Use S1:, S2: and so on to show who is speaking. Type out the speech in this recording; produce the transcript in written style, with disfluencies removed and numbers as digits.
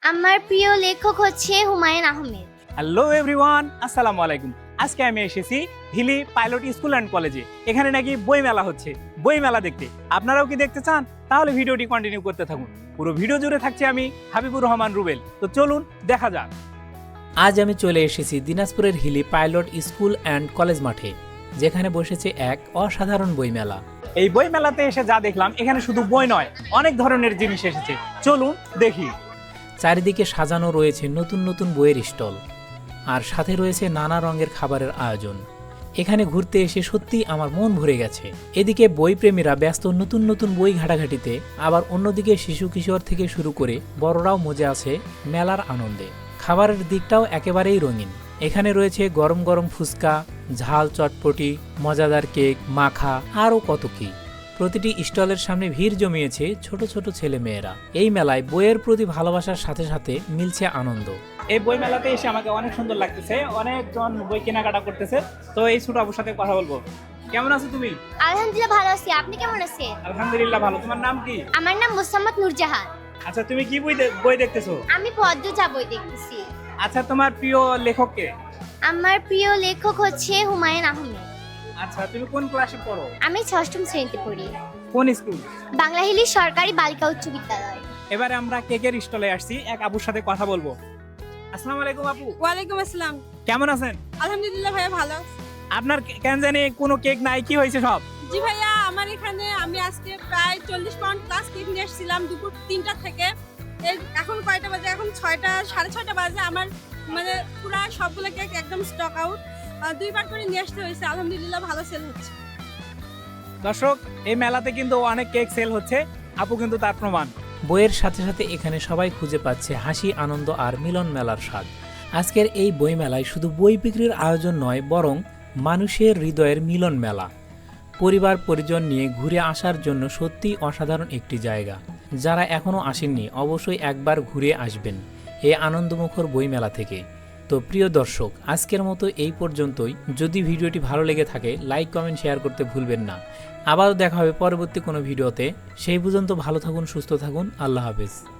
S1: আমার প্রিয় লেখক হচ্ছে হুমায়ুন আহমেদ।
S2: হ্যালো এভরিওয়ান, আসসালামু আলাইকুম। আজকে আমি এসেছি হিলি পাইলট স্কুল অ্যান্ড কলেজে। এখানে নাকি বই মেলা হচ্ছে, বই মেলা দেখতে আপনারাও কি দেখতে চান? তাহলে ভিডিওটি কন্টিনিউ করতে থাকুন। পুরো ভিডিও জুড়ে থাকছে আমি হাবিবুর রহমান রুবেল। তো চলুন দেখা যাক।
S3: আজ আমি চলে এসেছি দিনাজপুরের Hili pilot school and college মাঠে, যেখানে বসেছে এক অসাধারণ বইমেলা।
S2: এই বই মেলাতে এসে যা দেখলাম, এখানে শুধু বই নয়, অনেক ধরনের জিনিস এসেছে। চলুন দেখি।
S3: চারিদিকে সাজানো রয়েছে নতুন নতুন বইয়ের স্টল, আর সাথে রয়েছে নানা রঙের খাবারের আয়োজন। এখানে ঘুরতে এসে সত্যিই আমার মন ভরে গেছে। এদিকে বইপ্রেমীরা ব্যস্ত নতুন নতুন বই ঘাটাঘাটিতে, আবার অন্যদিকে শিশু কিশোর থেকে শুরু করে বড়রাও মজে আছে মেলার আনন্দে। খাবারের দিকটাও একেবারেই রঙিন। এখানে রয়েছে গরম গরম ফুচকা, ঝাল চটপটি, মজাদার কেক, মাখা, আরও কত কি। প্রতিটি স্টলের সামনে ভিড় জমিয়েছে ছোট ছোট ছেলে মেয়েরা। এই মেলায় বইয়ের প্রতি ভালোবাসার সাথে সাথে মিলছে আনন্দ।
S2: এই বই মেলাতে এসে আমাকে অনেক সুন্দর লাগতেছে, অনেকজন বই কেনাকাটা করতেছে। তো এই ছোট আপুর সাথে কথা বলবো। কেমন আছো তুমি?
S1: আলহামদুলিল্লাহ ভালো আছি, আপনি কেমন আছেন?
S2: আলহামদুলিল্লাহ ভালো। তোমার নাম কি?
S1: আমার নাম মোসাম্মদ নূরজাহান।
S2: আচ্ছা, তুমি কি বই দেখতেছো?
S1: আমি পদ্মজা বই দেখতেছি।
S2: আচ্ছা, তোমার প্রিয় লেখক কে?
S1: আমার প্রিয় লেখক হচ্ছে হুমায়ুন আহমেদ।
S2: আচ্ছা, তুমি কোন ক্লাসে পড়ো?
S1: আমি 6ম শ্রেণীতে পড়ি,
S2: কোন স্কুল?
S1: বাংলাহিলি সরকারি বালিকা উচ্চ বিদ্যালয়।
S2: এবারে আমরা কেকের স্টলে আসছি, এক আপুর সাথে কথা বলবো। আসসালামু আলাইকুম আপু।
S4: ওয়ালাইকুম আসসালাম।
S2: কেমন আছেন?
S4: আলহামদুলিল্লাহ ভাইয়া ভালো।
S2: আপনার কেন জানি কোনো কেক নাই, কি হয়েছে সব?
S4: জি ভাইয়া, আমার এখানে আমি আজকে প্রায় 40 পাউন্ড প্লাস কেক নিয়ে এসেছিলাম দুপুর 3টা থেকে। এখন কয়টা বাজে? এখন 6টা, 6:30 বাজে। আমার মানে পুরো সবগুলো কেক একদম স্টক আউট। 2বার করে নিয়ে আসতে হয়েছে। আলহামদুলিল্লাহ ভালো সেল হচ্ছে।
S2: দর্শক, এই মেলাতে কিন্তু অনেক কেক সেল হচ্ছে, আপু কিন্তু তার প্রমাণ।
S3: বইয়ের সাথে সাথে এখানে সবাই খুঁজে পাচ্ছে হাসি, আনন্দ আর মিলন মেলার স্বাদ। আজকের এই বই মেলায় শুধু বই বিক্রির আয়োজন নয়, বরং মানুষের হৃদয়ের মিলন মেলা। পরিবার পরিজন নিয়ে ঘুরে আসার জন্য সত্যিই অসাধারণ একটি জায়গা। যারা এখনও আসেননি, অবশ্যই একবার ঘুরে আসবেন এই আনন্দমুখর বই মেলা থেকে। তো প্রিয় দর্শক, আজকের মতো এই পর্যন্তই। যদি ভিডিওটি ভালো লেগে থাকে, লাইক কমেন্ট শেয়ার করতে ভুলবেন না। আবারও দেখা হবে পরবর্তী কোনো ভিডিওতে। সেই পর্যন্ত ভালো থাকুন, সুস্থ থাকুন। আল্লাহ হাফেজ।